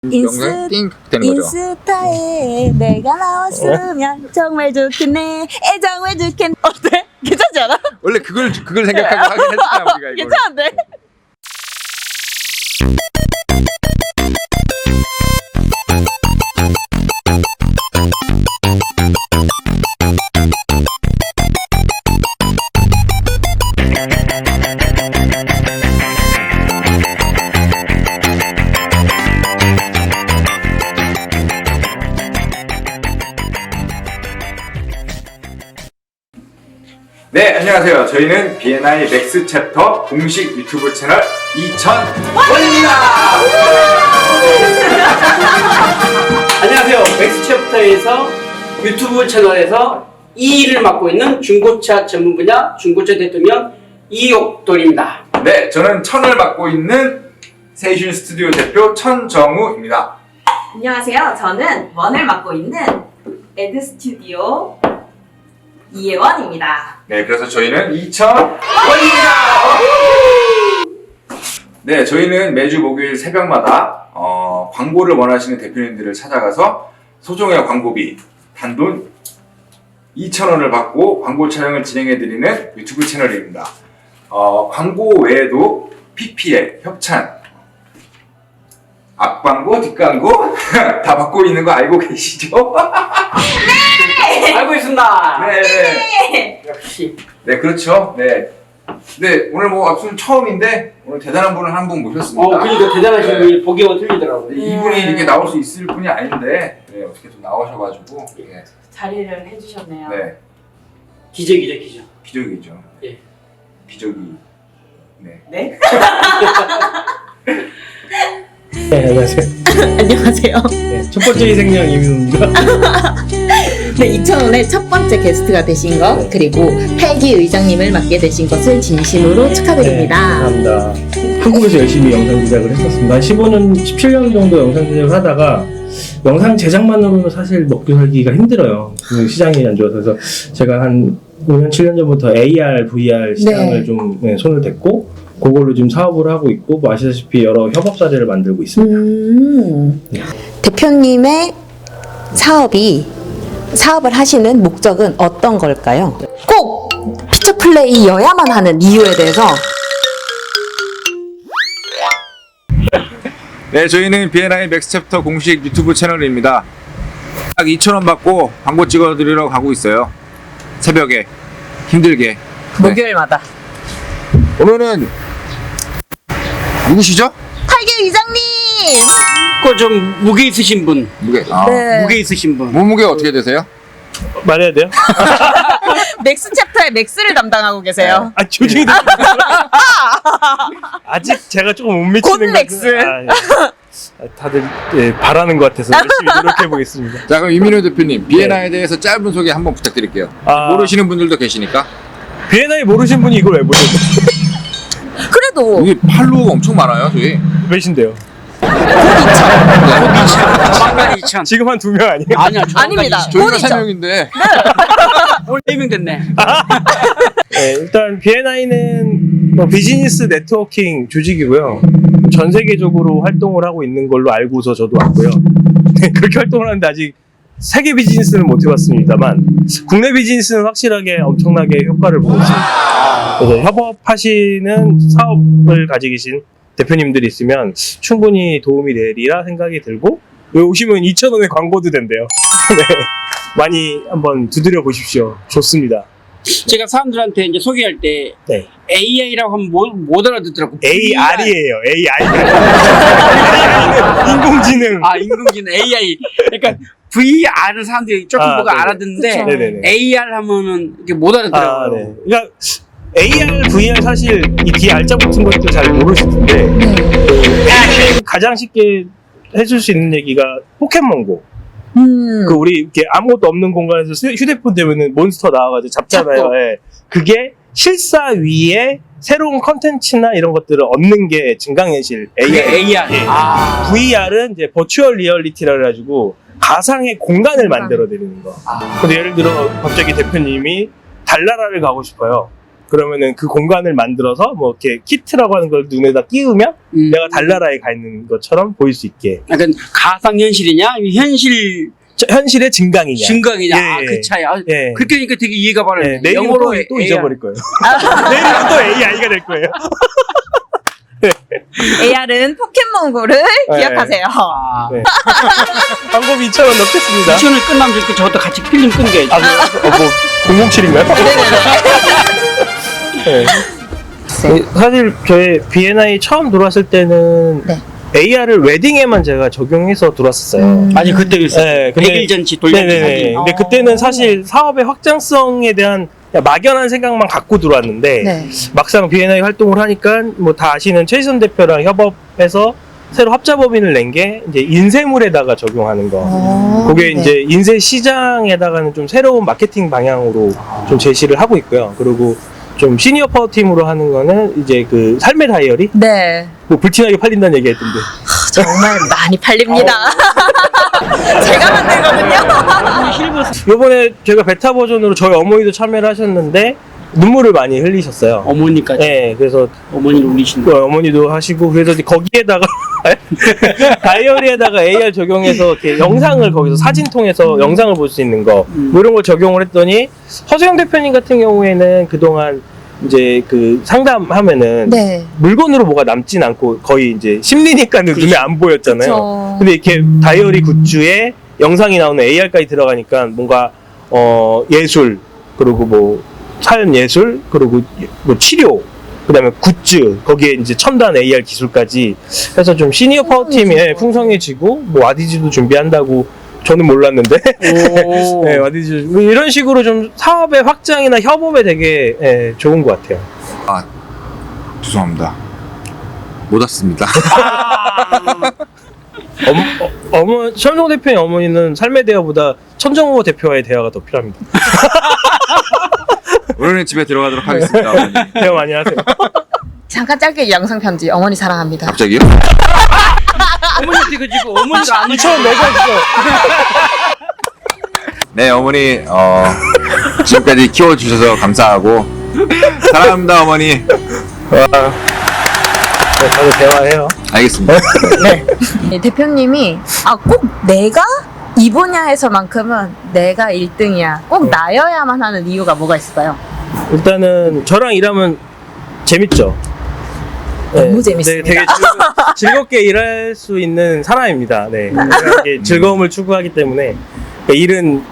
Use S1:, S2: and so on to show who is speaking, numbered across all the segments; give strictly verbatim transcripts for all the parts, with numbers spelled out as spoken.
S1: 영상 띵 되는 거죠.
S2: 인스타에 내가 나왔으면 정말 좋겠네. 에 정말 좋겠네. 어때? 괜찮지 않아?
S1: 원래 그걸 그걸 생각하고 하긴 했잖아 우리가 이거.
S2: 괜찮은데?
S1: 네, 안녕하세요. 저희는 비엔아이 맥스 챕터 공식 유튜브 채널 이천원입니다.
S3: 안녕하세요. 맥스 챕터에서 유튜브 채널에서 이 일을 맡고 있는 중고차 전문 분야 중고차 대통령 이옥돌입니다.
S1: 네, 저는 천을 맡고 있는 세이슌 스튜디오 대표 천정우입니다.
S2: 안녕하세요. 저는 원을 맡고 있는 에드 스튜디오 이예원입니다.
S1: 네, 그래서 저희는 이천원입니다. 네, 저희는 매주 목요일 새벽마다 어, 광고를 원하시는 대표님들을 찾아가서 소정의 광고비 단돈 이천원을 받고 광고 촬영을 진행해드리는 유튜브 채널입니다. 어, 광고 외에도 피피엘, 협찬, 앞광고, 뒷광고 다 받고 있는 거 알고 계시죠?
S3: 네! 알고 있습니다.
S1: 네, 네.
S3: 역시.
S1: 네, 그렇죠. 네. 네, 오늘 뭐 앞선 처음인데 오늘 대단한 분을 한 분 모셨습니다.
S3: 어, 그러니까 대단하신
S1: 네.
S3: 분이 보기가 틀리더라고요.
S1: 네, 이분이 이렇게 나올 수 있을 분이 아닌데 네, 어떻게 좀 나오셔가지고 네,
S2: 자리를 해주셨네요.
S1: 네,
S3: 기적이죠, 기적.
S1: 기적이죠.
S3: 예.
S1: 기적이. 네.
S2: 네?
S4: 네, 안녕하세요.
S2: 안녕하세요.
S4: 네, 첫 번째 희생양 이민호입니다.
S2: 네, 이천원의 첫 번째 게스트가 되신 것,
S4: 네.
S2: 그리고 펠기 의장님을 맡게 되신 것을 진심으로
S4: 네,
S2: 축하드립니다.
S4: 감사합니다. 한국에서 열심히 영상 제작을 했었습니다. 한 십오 년, 십칠 년 정도 영상 제작을 하다가 영상 제작만으로는 사실 먹고 살기가 힘들어요. 시장이 안 좋아서. 그래서 제가 한 오 년, 칠 년 전부터 에이알, 브이알 시장을
S2: 네.
S4: 좀 네, 손을 댔고 그걸로 지금 사업을 하고 있고 뭐 아시다시피 여러 협업 사례를 만들고 있습니다.
S2: 음, 대표님의 사업이 사업을 하시는 목적은 어떤 걸까요? 꼭 피처 플레이여야만 하는 이유에 대해서
S1: 네, 저희는 비엔아이 맥스 챕터 공식 유튜브 채널입니다. 딱 이천원 받고 광고 찍어드리러 가고 있어요. 새벽에 힘들게. 네.
S2: 목요일마다
S1: 오늘은 누구시죠?
S2: 팔기 의장님!
S3: 그 좀 무게 있으신 분.
S1: 무게. 아.
S2: 네.
S3: 무게 있으신 분.
S1: 몸무게 어떻게 되세요?
S4: 말해야 돼요?
S2: 맥스 챕터의 맥스를 담당하고 계세요.
S4: 아, 조직이 아직 제가 조금 못 미치는
S2: 곧
S4: 것
S2: 맥스.
S4: 같은- 아, 예. 아, 다들 예, 바라는 것 같아서 열심히 노력해 보겠습니다.
S1: 자, 그럼 이민호 대표님 비엔아이에 대해서 짧은 소개 한번 부탁드릴게요.
S4: 아.
S1: 모르시는 분들도 계시니까.
S4: 비엔아이 모르신 분이 이걸 왜 모르세요?
S2: 그래도
S1: 여기 팔로우가 엄청 많아요, 저희.
S4: 몇인데요?
S3: 만만 이천.
S4: 지금 한 두 명 아니에요?
S3: 아니야,
S2: 아닙니다.
S1: 저희가
S2: 꼴이죠.
S1: 세 명인데.
S3: 올 네 명 됐네.
S4: 네, 일단 비엔아이는 뭐 비즈니스 네트워킹 조직이고요. 전 세계적으로 활동을 하고 있는 걸로 알고서 저도 왔고요. 네, 그렇게 활동을 하는데 아직 세계 비즈니스는 못 해봤습니다만 국내 비즈니스는 확실하게 엄청나게 효과를 보고 있습니다. 그래서 협업하시는 사업을 가지고 계신 대표님들이 있으면 충분히 도움이 되리라 생각이 들고 여기 오시면 이천원의 광고도 된대요. 네, 많이 한번 두드려 보십시오. 좋습니다.
S3: 제가 사람들한테 이제 소개할 때
S4: 네.
S3: 에이아이라고 하면 못, 못 알아듣더라고.
S4: 에이알이에요. 에이알. 인공지능.
S3: 아, 인공지능 에이아이. 그러니까 브이알은 사람들이 조금
S4: 아,
S3: 뭐가
S4: 네네.
S3: 알아듣는데
S2: 그쵸.
S4: 네네네.
S3: 에이알 하면은 이렇게 못 알아듣더라고요.
S4: 아, 네. 그러니까 에이알, 브이알 사실 이 뒤에 알짜 붙은 것도 잘 모르실 텐데 에이알 가장 쉽게 해줄 수 있는 얘기가 포켓몬고.
S2: 음,
S4: 그 우리 이렇게 아무것도 없는 공간에서 휴- 휴대폰 되면은 몬스터 나와가지고 잡잖아요.
S2: 잡고.
S4: 예. 그게 실사 위에 새로운 컨텐츠나 이런 것들을 얻는 게 증강현실
S3: 그게
S4: 에이알.
S3: 에이알.
S4: 예.
S3: 아.
S4: 브이알은 이제 버추얼 리얼리티라 그래가지고 가상의 공간을 만들어 드리는 거.
S3: 아.
S4: 근데 예를 들어 갑자기 대표님이 달나라를 가고 싶어요. 그러면은 그 공간을 만들어서 뭐 이렇게 키트라고 하는 걸 눈에다 끼우면
S3: 음.
S4: 내가 달나라에 가 있는 것처럼 보일 수 있게.
S3: 약간 가상현실이냐? 아니면 현실
S4: 저- 현실의 증강이냐.
S3: 증강이냐?
S4: 예,
S3: 아,
S4: 예.
S3: 그 차이. 아,
S4: 예.
S3: 그렇게 하니까 되게 이해가
S4: 네,
S3: 바르네.
S4: 내일은
S3: 영어로
S4: 또, 또
S3: 에이아이.
S4: 잊어버릴 거예요. 내일은 또 에이아이가 될 거예요.
S2: 에이알은 포켓몬고를
S4: 네.
S2: 기억하세요.
S3: 아,
S4: 네. 광고비 이천 원 넣겠습니다.
S3: 미션을 끝나면 그 저것도 같이 필름 끊겨야지.
S4: 아, 뭐, 어, 뭐, 공공칠인가요? 네. 네, 사실 저희 비엔아이 처음 들어왔을 때는
S2: 네.
S4: 에이알을 웨딩에만 제가 적용해서 들어왔었어요.
S2: 음.
S3: 아니 그때 그랬어.
S4: 네, 근데-
S3: 백 일 전치 돌려준
S4: 네네네.
S3: 사진.
S4: 근데
S2: 어.
S4: 그때는 사실 사업의 확장성에 대한 그냥 막연한 생각만 갖고 들어왔는데
S2: 네.
S4: 막상 비엔아이 활동을 하니까 뭐 다 아시는 최희선 대표랑 협업해서 새로 합자법인을 낸 게 이제 인쇄물에다가 적용하는 거.
S2: 어,
S4: 그게
S2: 네.
S4: 이제 인쇄 시장에다가는 좀 새로운 마케팅 방향으로 좀 제시를 하고 있고요. 그리고 좀 시니어 파워 팀으로 하는 거는 이제 그 삶의 다이어리
S2: 네.
S4: 뭐 불티나게 팔린다는 얘기 했던데.
S2: 정말 많이 팔립니다. 제가 만들거든요.
S4: 요번에 제가 베타 버전으로 저희 어머니도 참여를 하셨는데 눈물을 많이 흘리셨어요.
S3: 어머니까지.
S4: 네, 그래서
S3: 어머니를 울리신
S4: 그 어머니도 하시고 그래서 이제 거기에다가 다이어리에다가 에이알 적용해서 이렇게 영상을 거기서 사진 통해서 영상을 볼 수 있는 거
S3: 음.
S4: 뭐 이런 걸 적용을 했더니 허수영 대표님 같은 경우에는 그동안 이제 그 상담하면은
S2: 네.
S4: 물건으로 뭐가 남진 않고 거의 이제 심리니까는 눈에 안 보였잖아요.
S2: 그쵸.
S4: 근데 이렇게 다이어리 굿즈에 영상이 나오는 에이알까지 들어가니까 뭔가 어 예술 그리고 뭐 삶 예술 그리고 뭐 치료 그다음에 굿즈 거기에 이제 첨단 에이알 기술까지 해서 좀 시니어 파워 팀이 예, 풍성해지고 뭐 와디즈도 준비한다고 저는 몰랐는데
S3: 오.
S4: 네, 와디즈 뭐 이런 식으로 좀 사업의 확장이나 협업에 되게 예, 좋은 것 같아요.
S1: 아, 죄송합니다. 못 왔습니다.
S4: 어머, 어, 어머, 천정호 대표의 어머니는 삶의 대화보다 천정호 대표와의 대화가 더 필요합니다.
S1: 오늘은 집에 들어가도록 하겠습니다. 어머니.
S4: 대화 많이 하세요.
S2: 잠깐 짧게 영상 편지. 어머니 사랑합니다.
S1: 갑자기요?
S3: 어머니한테 그 지금 어머니가 안
S4: 이천 내가 있어.
S1: 네, 어머니, 어, 지금까지 키워주셔서 감사하고, 사랑합니다, 어머니.
S4: 네, 다들 대화해요.
S1: 알겠습니다.
S2: 네. 네, 대표님이 아 꼭 내가 이 분야에서만큼은 내가 일 등이야. 꼭 나여야만 하는 이유가 뭐가 있을까요?
S4: 일단은 저랑 일하면 재밌죠.
S2: 너무 재밌습니다.
S4: 되게 즐거, 즐겁게 일할 수 있는 사람입니다. 네, 이게 즐거움을 추구하기 때문에 그러니까 일은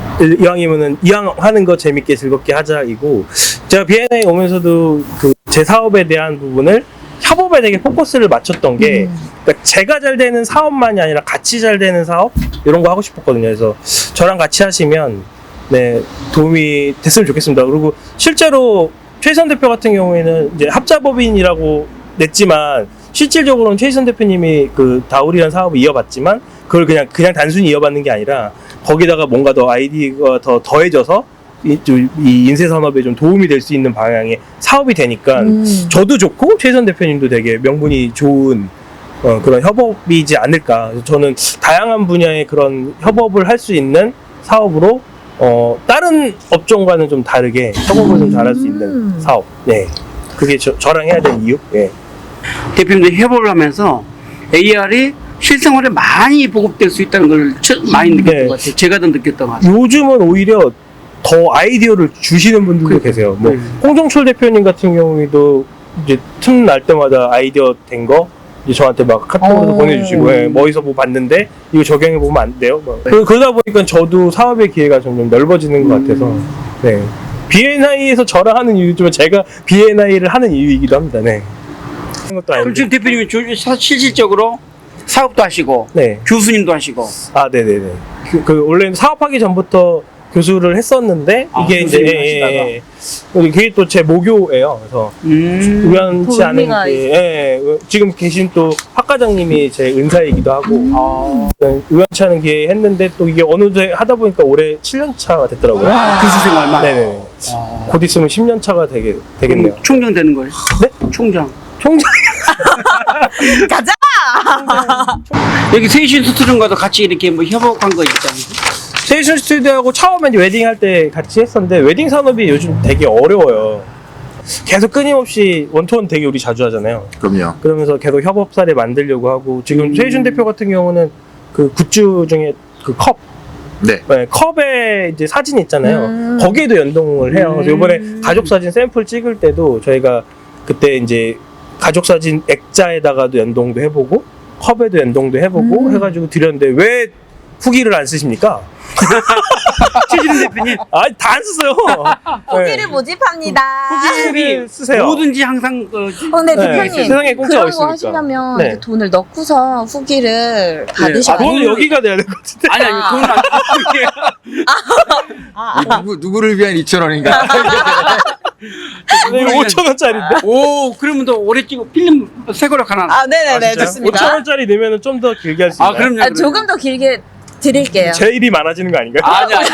S4: 이왕이면은 이왕 하는 거 재밌게 즐겁게 하자이고 제가 비엔아이 오면서도 그 제 사업에 대한 부분을 협업에 되게 포커스를 맞췄던 게
S2: 음.
S4: 그러니까 제가 잘 되는 사업만이 아니라 같이 잘 되는 사업 이런 거 하고 싶었거든요. 그래서 저랑 같이 하시면 네 도움이 됐으면 좋겠습니다. 그리고 실제로 최선 대표 같은 경우에는 이제 합자법인이라고 냈지만 실질적으로는 최선 대표님이 그 다울이라는 사업을 이어봤지만 그걸 그냥 그냥 단순히 이어받는 게 아니라 거기다가 뭔가 더 아이디가 더 더해져서 이, 좀 이 인쇄 산업에 좀 도움이 될 수 있는 방향의 사업이 되니까
S2: 음.
S4: 저도 좋고 최선 대표님도 되게 명분이 좋은 어, 그런 협업이지 않을까. 그래서 저는 다양한 분야의 그런 협업을 할 수 있는 사업으로 어, 다른 업종과는 좀 다르게 협업을 좀 잘할 수 있는
S2: 음.
S4: 사업. 네, 그게 저, 저랑 해야 될 이유. 예.
S3: 대표님도 협업을 하면서 에이알이 실생활에 많이 보급될 수 있다는 걸 처- 많이 느꼈던
S4: 네.
S3: 것 같아요. 제가 더 느꼈던 것 같아요.
S4: 요즘은 오히려 더 아이디어를 주시는 분들도 계세요. 뭐
S3: 음.
S4: 홍정철 대표님 같은 경우에도 이제 틈 날 때마다 아이디어 된 거 이제 저한테 막 카톡으로
S2: 어.
S4: 보내주시고 예, 뭐 어디서 뭐 봤는데 이거 적용해 보면 안 돼요. 뭐. 그, 그러다 보니까 저도 사업의 기회가 점점 넓어지는 것 같아서 네. 비엔아이에서 저랑 하는 이유지만 제가 비엔아이를 하는 이유이기도 합니다. 네. 그런 것도
S3: 그럼
S4: 아닌데.
S3: 지금 대표님이 조- 사- 실질적으로 사업도 하시고
S4: 네.
S3: 교수님도 하시고
S4: 아, 네네네. 그, 그 원래 사업하기 전부터 교수를 했었는데
S3: 아,
S4: 이게 이제
S3: 교수님
S4: 예, 예,
S3: 하시다가.
S4: 예. 그게 또 제 모교예요. 그래서
S3: 음.
S4: 우연치 않은
S2: 의미가
S4: 게 예, 예. 지금 계신 또 학과장님이 제 은사이기도 하고
S3: 아,
S4: 네, 우연치 않은 기회에 했는데 또 이게 어느새 하다 보니까 올해 칠 년 차가 됐더라고요.
S3: 교수 생활만.
S4: 네네.
S3: 아.
S4: 곧 있으면 십 년 차가 되게 되겠네요.
S3: 그럼 총장 되는 거예요?
S4: 네?
S3: 총장.
S4: 총장
S2: 가자.
S3: 여기 세이신 스튜디오과도 같이 이렇게 뭐 협업한 거 있잖아요.
S4: 세이션 스튜디오하고 처음에 이제 웨딩 할 때 같이 했었는데 웨딩 산업이 요즘 되게 어려워요. 계속 끊임없이 원투원 되게 우리 자주 하잖아요.
S1: 그럼요.
S4: 그러면서 계속 협업사를 만들려고 하고 지금 최희준 대표 같은 경우는 그 굿즈 중에 그 컵,
S1: 네.
S4: 네, 컵에 이제 사진 있잖아요.
S2: 음.
S4: 거기에도 연동을 해요. 그래서
S3: 음.
S4: 이번에 가족 사진 샘플 찍을 때도 저희가 그때 이제 가족 사진 액자에다가도 연동도 해보고 컵에도 연동도 해보고
S2: 음.
S4: 해가지고 드렸는데 왜 후기를 안 쓰십니까?
S3: 최진우 대표님
S4: 아니 다 안 쓰세요.
S2: 후기를
S4: 네.
S2: 모집합니다.
S4: 후기를 쓰세요.
S3: 뭐든지 항상 그
S2: 어, 근데
S4: 네,
S2: 대표님
S4: 세상에 공짜가
S2: 그런 거
S4: 있으니까.
S2: 하시려면
S4: 네.
S2: 이렇게 돈을 넣고서 후기를 받으셔야
S4: 아,
S2: 돼요.
S4: 돈은 여기가 돼야 될 것 같은데.
S3: 아니 아니 돈을 안
S2: 아,
S1: 이 누구, 누구를 위한 이천 원인가?
S4: 이거 오천 원짜리인데.
S3: 오 그러면 더 오래 찍고 필름 새 거로 하나
S2: 아, 네네네, 좋습니다.
S4: 오천 원짜리 내면은 좀 더 길게 할 수
S3: 아
S4: 있나요?
S3: 그럼요,
S2: 아,
S3: 그럼요.
S2: 조금 더 길게 드릴게요.
S4: 제 일이 많아지는 거 아닌가요?
S3: 아니 아니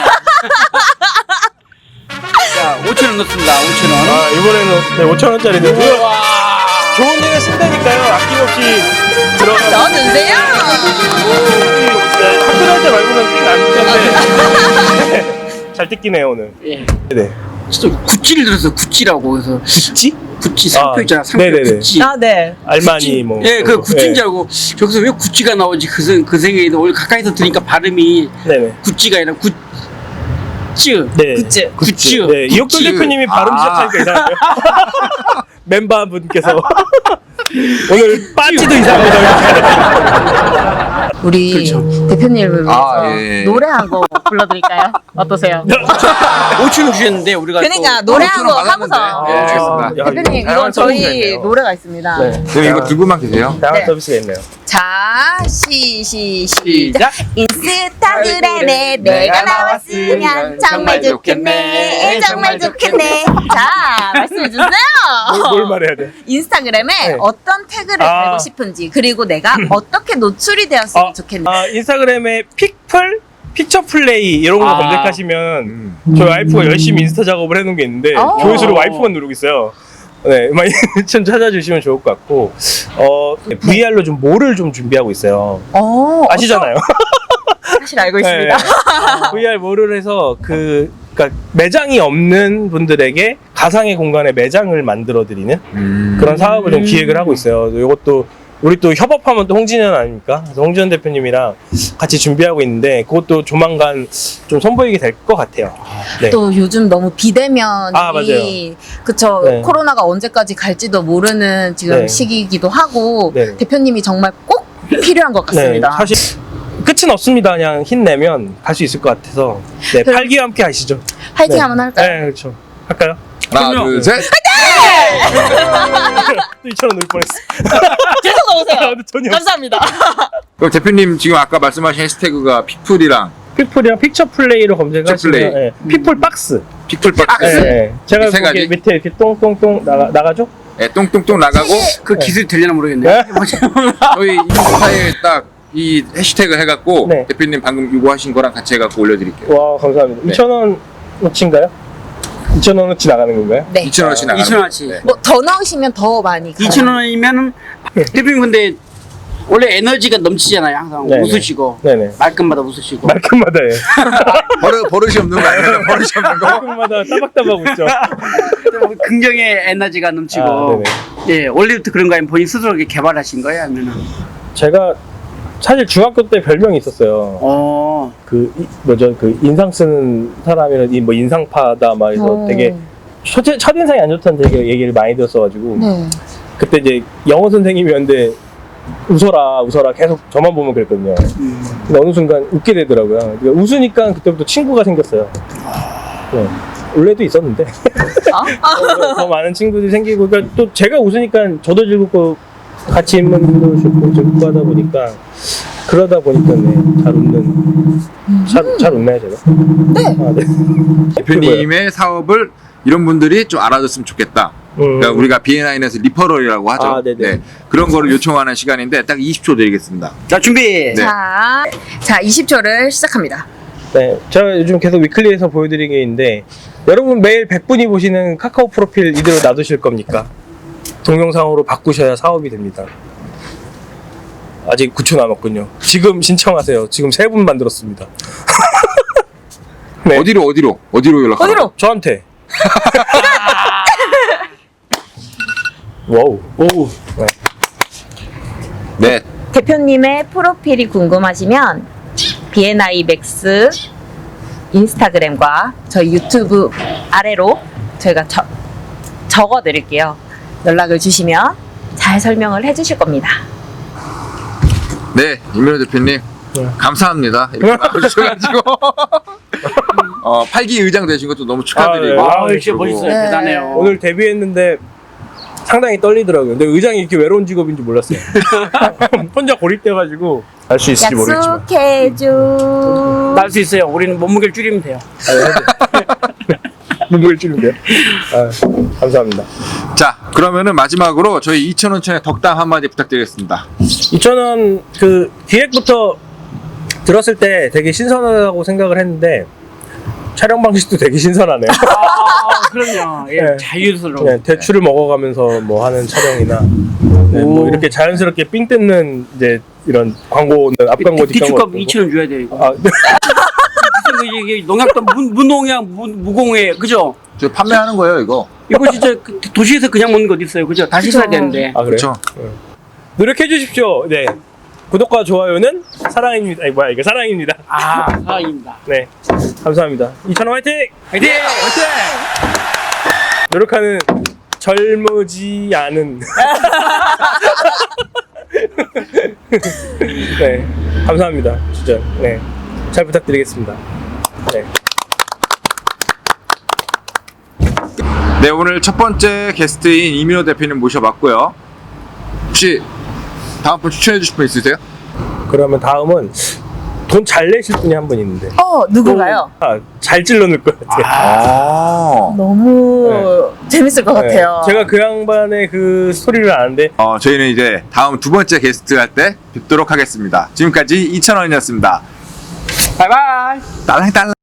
S3: 자 오천 원 넣습니다 오천 원
S4: 아, 이번에는 네, 오천 원짜리 내고요. 좋은 일에 쓴다니까요. 아낌없이 들어가서.
S2: 넣어주세요.
S4: 네, 학교 다닐 때 말고는 꽤안 듣는데 잘 듣기네요 오늘.
S3: 예.
S4: 네.
S3: 진짜 구찌를 들어서 구찌라고 해서
S4: 구찌?
S3: 구찌 상표
S4: 아,
S3: 있잖아 상표
S4: 네네네.
S3: 구찌
S2: 아, 네.
S4: 알마니 뭐.
S3: 예, 그 구찌인
S4: 네.
S3: 줄 알고 저기서 왜 구찌가 나오지 그, 생- 그 생각에도 오늘 가까이서 들으니까 발음이
S4: 네네.
S3: 구찌가 아니라 구찌
S4: 네.
S2: 굿즈.
S3: 구찌
S4: 네, 이혁돈
S1: 구찌.
S4: 대표님이 발음
S1: 아.
S4: 시작하니까 이상해요. 멤버분께서 오늘 빠지도 이상합니다.
S2: 우리
S3: 그렇죠.
S2: 대표님을 위해서
S1: 아, 예.
S2: 노래 한 곡 불러드릴까요? 어떠세요?
S3: 오천 원 주셨는데 우리가
S2: 그러니까
S3: 또
S2: 노래 한 곡
S1: 받았는데.
S2: 하고서
S1: 예, 알겠습니다.
S4: 야,
S2: 대표님
S4: 이거
S2: 이건 저희
S4: 다양한
S2: 노래가 있습니다.
S4: 네.
S1: 그럼 이거 들고만 계세요.
S4: 다양한
S2: 네.
S4: 서비스가 있네요.
S2: 자, 시, 시, 시작.
S3: 시작.
S2: 인스타그램에 내가 나왔으면 정말 좋겠네. 정말 좋겠네. 자, 말씀해주세요.
S4: 뭘, 뭘 말해야 돼?
S2: 인스타그램에
S4: 네.
S2: 어떤 태그를
S4: 아.
S2: 달고 싶은지, 그리고 내가 어떻게 노출이 되었으면
S4: 아,
S2: 좋겠네.
S4: 아, 인스타그램에 픽플, 픽처 플레이 이런 거
S3: 아.
S4: 검색하시면
S1: 음.
S4: 저희 와이프가 열심히 인스타 작업을 해놓은 게 있는데
S2: 아.
S4: 조회수를 와이프가 누르고 있어요. 네, 많이 좀 찾아주시면 좋을 것 같고 어, 브이알로 좀 뭐를 좀 준비하고 있어요.
S2: 어,
S4: 아시잖아요.
S2: 어떤- 사실 알고 있습니다.
S4: 네. 브이알 뭐를 해서 그 그러니까 매장이 없는 분들에게 가상의 공간에 매장을 만들어 드리는
S1: 음.
S4: 그런 사업을 좀 기획을 하고 있어요. 이것도 우리 또 협업하면 또 홍진현 아닙니까? 그래서 홍진현 대표님이랑 같이 준비하고 있는데 그것도 조만간 좀 선보이게 될 것 같아요. 네.
S2: 또 요즘 너무 비대면이
S4: 아, 맞아요.
S2: 그쵸.
S4: 네.
S2: 코로나가 언제까지 갈지도 모르는 지금
S4: 네.
S2: 시기이기도 하고
S4: 네.
S2: 대표님이 정말 꼭 필요한 것 같습니다.
S4: 네, 사실 끝은 없습니다. 그냥 힘내면 갈 수 있을 것 같아서 네,
S2: 그럼-
S4: 팔기와 함께 하시죠.
S2: 화이팅
S4: 네.
S2: 한번 할까요?
S4: 네, 그렇죠. 할까요?
S1: 하나,
S3: 그럼요.
S1: 둘, 셋.
S4: 또 이천 원 넣을 뻔했어.
S2: 계속 넣으세요.
S4: 아, 근데 전혀 없어.
S2: 감사합니다.
S1: 그럼 대표님 지금 아까 말씀하신 해시태그가 피플이랑
S4: 픽플이랑 픽처 플레이로 검색하시면
S1: 플레이.
S4: 네, 픽플 박스.
S1: 피플박스.
S4: 네, 네. 제가
S1: 세 가지?
S4: 거기 밑에 이렇게 똥똥똥 나가, 나가죠?
S1: 네, 똥똥똥 나가고
S3: 그 기술이 되려나 모르겠네
S4: 네?
S1: 저희 인스타에 딱 이 해시태그 해갖고
S4: 네.
S1: 대표님 방금 요구하신 거랑 같이 해갖고 올려드릴게요.
S4: 와, 감사합니다.
S1: 네.
S4: 이천 원어치인가요? 이천 원어치 나가는 건가요?
S2: 네.
S1: 이천 원씩 나가는
S3: 이천 원어치.
S1: 네.
S2: 뭐 더 넣으시면 더 많이 가요.
S3: 이천 원이면은 대표님 근데 원래 에너지가 넘치잖아요 항상
S4: 네네.
S3: 웃으시고
S4: 네네.
S3: 말끝마다 웃으시고
S4: 말끝마다 해.
S1: 버릇, 버릇이 없는 거 아니에요? 버릇이 없는 거?
S4: 말끝마다 따박따박 웃죠.
S3: 긍정의 에너지가 넘치고
S4: 아,
S3: 예 원래부터 그런 거 아니면 본인 스스로 이렇게 개발하신 거예요 아니면은
S4: 제가 사실 중학교 때 별명이 있었어요.
S3: 어
S4: 그 이- 뭐죠 그 인상 쓰는 사람이라 이 뭐 인상파다 막 해서
S2: 어.
S4: 되게 첫, 첫인상이 안 좋다는 되게 얘기를 많이 들었어가지고
S2: 네.
S4: 그때 이제 영어 선생님이었는데 웃어라 웃어라 계속 저만 보면 그랬거든요.
S3: 음.
S4: 근데 어느 순간 웃게 되더라고요. 그러니까 웃으니까 그때부터 친구가 생겼어요. 네. 원래도 있었는데
S2: 어?
S4: 더 많은 친구들이 생기고 그러니까 또 제가 웃으니까 저도 즐겁고 같이 있는 분도 좋고 즐겁고 하다 보니까 그러다 보니까 네, 잘 웃는 잘, 잘 웃나요 제가?
S2: 네.
S4: 아, 네.
S1: 대표님의 사업을 이런 분들이 좀 알아줬으면 좋겠다.
S4: 음.
S1: 그러니까 우리가 비엔아이에서 리퍼럴이라고 하죠.
S4: 아, 네네.
S1: 네. 그런 거를 요청하는 시간인데 딱 이십 초 드리겠습니다.
S3: 자 준비
S1: 네.
S2: 자, 자 이십 초를 시작합니다.
S4: 네, 제가 요즘 계속 위클리에서 보여드리는 게 있는데 여러분 매일 백 분이 보시는 카카오 프로필 이대로 놔두실 겁니까? 동영상으로 바꾸셔야 사업이 됩니다. 아직 구 초 남았군요. 지금 신청하세요. 지금 세 분 만들었습니다. 네.
S1: 어디로 어디로 어디로 연락?
S2: 어디로?
S4: 저한테 와우.
S3: 오.
S1: 네.
S2: 대표님의 프로필이 궁금하시면 비엔아이 맥스 인스타그램과 저희 유튜브 아래로 저희가 저, 적어 드릴게요. 연락을 주시면 잘 설명을 해 주실 겁니다.
S1: 네, 이민호 대표님.
S4: 네.
S1: 감사합니다. 이렇게 나와주셔가지고. 어, 팔 기 의장 되신 것도 너무 축하드리고.
S4: 아, 네.
S3: 아, 진짜 멋있어요.
S2: 네.
S3: 대단해요.
S4: 오늘 데뷔했는데 상당히 떨리더라고요. 근데 의장이 이렇게 외로운 직업인 줄 몰랐어요. 혼자 고립돼가지고 알 수 있을지 모르겠지만.
S2: 약속해줘.
S3: 날 수 있어요. 우리는 몸무게를 줄이면 돼요.
S4: 눈물 찌는데요. 아, 감사합니다.
S1: 자, 그러면은 마지막으로 저희 이천 원천의 덕담 한마디 부탁드리겠습니다.
S4: 이천 원 그 기획부터 들었을 때 되게 신선하다고 생각을 했는데 촬영 방식도 되게 신선하네요.
S3: 아, 그럼요. 예,
S4: 네.
S3: 자유스러워.
S4: 그냥 대추를 먹어가면서 뭐 하는 촬영이나 네, 뭐
S3: 오.
S4: 이렇게 자연스럽게 삥 뜯는 이제 이런 광고는 앞광고 뒷광고
S3: 디축값 이천 원 줘야 돼요. 이거.
S4: 아,
S3: 비싼 거 이게 농약도 무, 무농약 무, 무공해 그죠?
S1: 저 판매하는 거예요, 이거.
S3: 이거 진짜 그 도시에서 그냥 먹는 거 어디 있어요, 그죠? 다시 써야
S2: 그죠.
S3: 되는데.
S4: 아 그래요?
S1: 그렇죠.
S4: 노력해 주십시오. 네. 구독과 좋아요는 사랑입니다. 아니 뭐야 이거 사랑입니다.
S3: 아, 사랑입니다.
S4: 네. 감사합니다. 이천 원 화이팅!
S3: 화이팅!
S4: 노력하는 젊지 않은 네. 감사합니다. 진짜. 네. 잘 부탁드리겠습니다. 네.
S1: 네, 오늘 첫 번째 게스트인 이민호 대표님 모셔봤고요. 혹시 다음 분 추천해 주실 분 있으세요?
S4: 그러면 다음은 돈 잘 내실 분이 한 분 있는데.
S2: 어, 누군가요?
S4: 아, 잘 찔러 넣을 것 같아요.
S1: 아.
S2: 너무 재밌을 것
S4: 네.
S2: 같아요.
S4: 제가 그 양반의 그 스토리를 아는데
S1: 어, 저희는 이제 다음 두 번째 게스트 할 때 뵙도록 하겠습니다. 지금까지 이천 원이었습니다.
S3: 바이바이!
S1: 딸랑딸랑.